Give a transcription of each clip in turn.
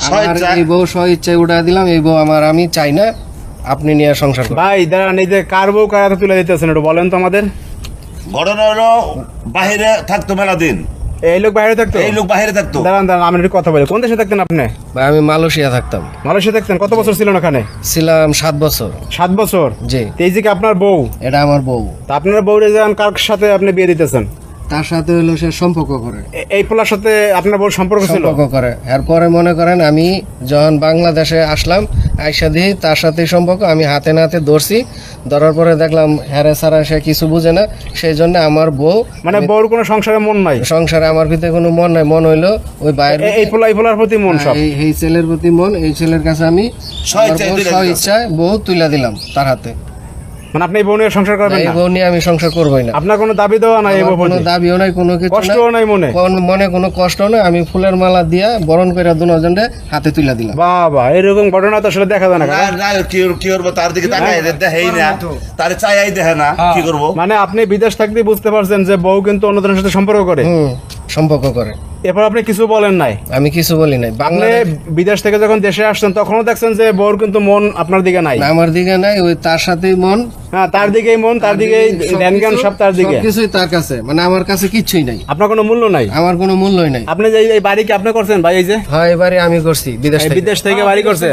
এই বউ স্ব ইচ্ছায় উঠা দিলাম, এই বউ আমার, আমি চাই না আপনি নিয়ে সংসার করেন। ভাই দাঁড়ান, এই যে কার বউ কার হাতে তুলে দিতেছেন একটু বলেন তো আমাদের। ঘটনা হলো বাহিরে থাকতো মেলা দিন, এই লোক বাইরে থাকতো? এই লোক বাহিরে থাকতো। দাঁড়ান দাঁড়ান, আমি একটু কথা বলি। কোন দেশে থাকতেন আপনি? ভাই আমি মালয়েশিয়া থাকতাম। মালয়েশিয়া থাকতেন? কত বছর ছিলেন ওখানে? ছিলাম 7 বছর। 7 বছর? জি। তো এই যে কি আপনার বউ? এটা আমার বউ। তা আপনার বউরে যান কার সাথে আপনি বিয়ে দিতেছেন? তার সাথে হলো সে সম্পর্ক করে, এই পোলার সাথে আপনার বউর সম্পর্ক ছিল? সম্পর্ক করে। এরপরে মনে করেন আমি যখন বাংলাদেশে আসলাম, আইসা দিই তার সাথেই সম্পর্ক, আমি হাতে নাতে ধরছি, ধরার পরে দেখলাম হ্যারে সারা সে কিছু বুঝে না, সেই জন্য আমার বউ, মানে বউর কোনো সংসারে মন নাই? সংসারে আমার ভিতরে কোনো মন নাই, মন হইলো ওই বাইরে এই পোলার প্রতি মন সব? এই ছেলের প্রতি মন। এই ছেলের কাছে আমি স্ব ইচ্ছায় বউ তুলে দিলাম তার হাতে। মানে আপনি এই বউ নিয়ে সংসার করবেন এই না? বউ নিয়ে আমি সংসার করবোই না। আপনার কোনো দাবি দেওয়া নাই? এই বউ কোনো দাবিও নাই, কোনো কিছু কষ্টও নাই মনে? মনে কোনো কষ্ট নাই। আমি ফুলের মালা দিয়া বরণ করে দুজনে হাতে তুলে দিলাম। বাবা, এরকম ঘটনা তো আসলে দেখা যায় না। কি করবো, তার দিকে তাকাই দেখেই না, তারে চাইয়াই দেখে না, কি করবো? মানে আপনি বিদেশ থাকতে বুঝতে পারছেন যে বউ কিন্তু অন্যদের সাথে সম্পর্ক করে? সম্পর্ক করে। এরপর আপনি কিছু বলেন নাই? আমি কিছু বলি নাই। আপনি বিদেশ থেকে যখন দেশে আসছেন তখনও দেখছেন যে বউর কিন্তু মন আপনার দিকে নাই? আমার দিকে নাই, ওই তার সাথেই মন। হ্যাঁ, তার দিকেই মন, তার দিকেই ধ্যান জ্ঞান সব তার দিকে। কিছুই তার কাছে, মানে আমার কাছে কিচ্ছুই নাই। আপনার কোনো মূল্য নাই? আমার কোনো মূল্যই নাই। আপনি যে এই বাড়ি কি আপনি করছেন ভাই? এই যে হ্যাঁ, এবারে আমি করছি বিদেশ থেকে বাড়ি করছেন?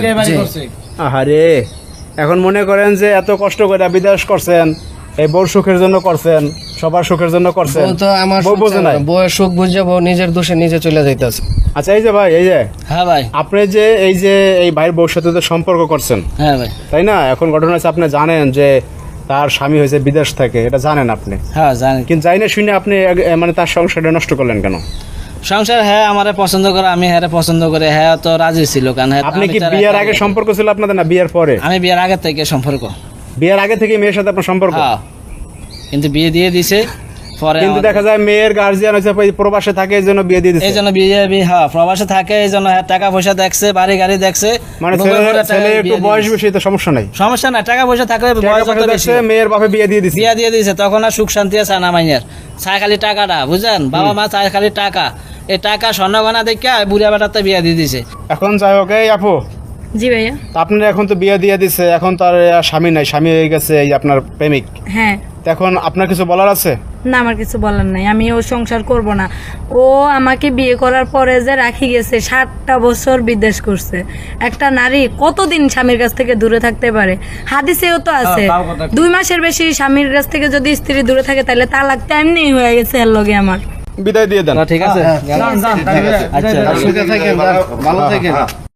আরে এখন মনে করেন যে এত কষ্ট করে বিদেশ করছেন, এই বউর সুখের জন্য করছেন, সবার সুখের জন্য করছেন, বউ তো আমার বউ বোঝে নাই। বউয়ের সুখ বুঝে বউ নিজের দোষে নিজে চলে যাইতেছে। আচ্ছা, এই যে ভাই, এই যে হ্যাঁ ভাই, আপনি যে এই যে এই ভাইয়ের বউর সাথে তো সম্পর্ক করছেন, হ্যাঁ ভাই, তাই না? এখন ঘটনা হচ্ছে আপনি জানেন যে তার স্বামী হয়েছে বিদেশ থেকে, এটা জানেন আপনি? হ্যাঁ জানি। কিন্তু জানি না শুনে আপনি মানে তার সংসারটা নষ্ট করলেন কেন? সংসার হ্যাঁ আমারে পছন্দ করে, আমি হ্যাঁ পছন্দ করে, হ্যাঁ তো রাজি ছিল। কারণ আপনি কি বিয়ের আগে সম্পর্ক ছিল আপনাদের না বিয়ের পরে? আমি বিয়ের আগে থেকে সম্পর্ক। বিয়ের আগে থেকে মেয়ের সাথে আপনার সম্পর্ক? হ্যাঁ, কিন্তু বিয়ে দিয়ে দিছে পরে। কিন্তু দেখা যায় মেয়ের গার্জিয়ান হচ্ছে প্রবাসে থাকে, এই জন্য বিয়ে দিয়ে দিচ্ছে। এই জন্য বিয়ে, হ্যাঁ প্রবাসে থাকে, এই জন্য টাকা পয়সা দেখছে, বাড়ি গাড়ি দেখছে। মানে ছেলে একটু বয়স বেশি তো সমস্যা নাই? সমস্যা না, টাকা পয়সা থাকলে বয়স যত বেশি। মেয়ের বাপে বিয়ে দিয়ে দিচ্ছে? বিয়ে দিয়ে দিয়েছে, তখন আর সুখ শান্তি আছে না মাইনের। চায় খালি টাকাটা, বুঝলেন? বাবা মা চায় খালি টাকা। এই টাকা স্বর্ণ গয়না দেখে বুড়িয়া বেটাতে বিয়ে দিয়ে দিছে। এখন যাই হোক, এই আপু। জি ভাইয়া। আপনার এখন তো বিয়ে দিয়ে দিছে, এখন তার স্বামী নাই, স্বামী হয়ে গেছে এই আপনার প্রেমিক। হ্যাঁ। এখন আপনার কিছু বলার আছে? না, আমার কিছু বলার নাই। আমি ও সংসার করব না। ও আমাকে বিয়ে করার পরে যে রাখি গেছে, 7টা বছর বিদেশ করছে। একটা নারী কতদিন স্বামীর কাছ থেকে দূরে থাকতে পারে? হাদিসেও তো আছে 2 মাসের বেশি স্বামীর কাছ থেকে যদি স্ত্রী দূরে থাকে তাহলে তালাক তো এমনি হয়ে গেছে এর লগে আমার। বিদায় দিয়ে দেন। ঠিক আছে, আচ্ছা, সুখে থাকেন, ভালো থাকেন।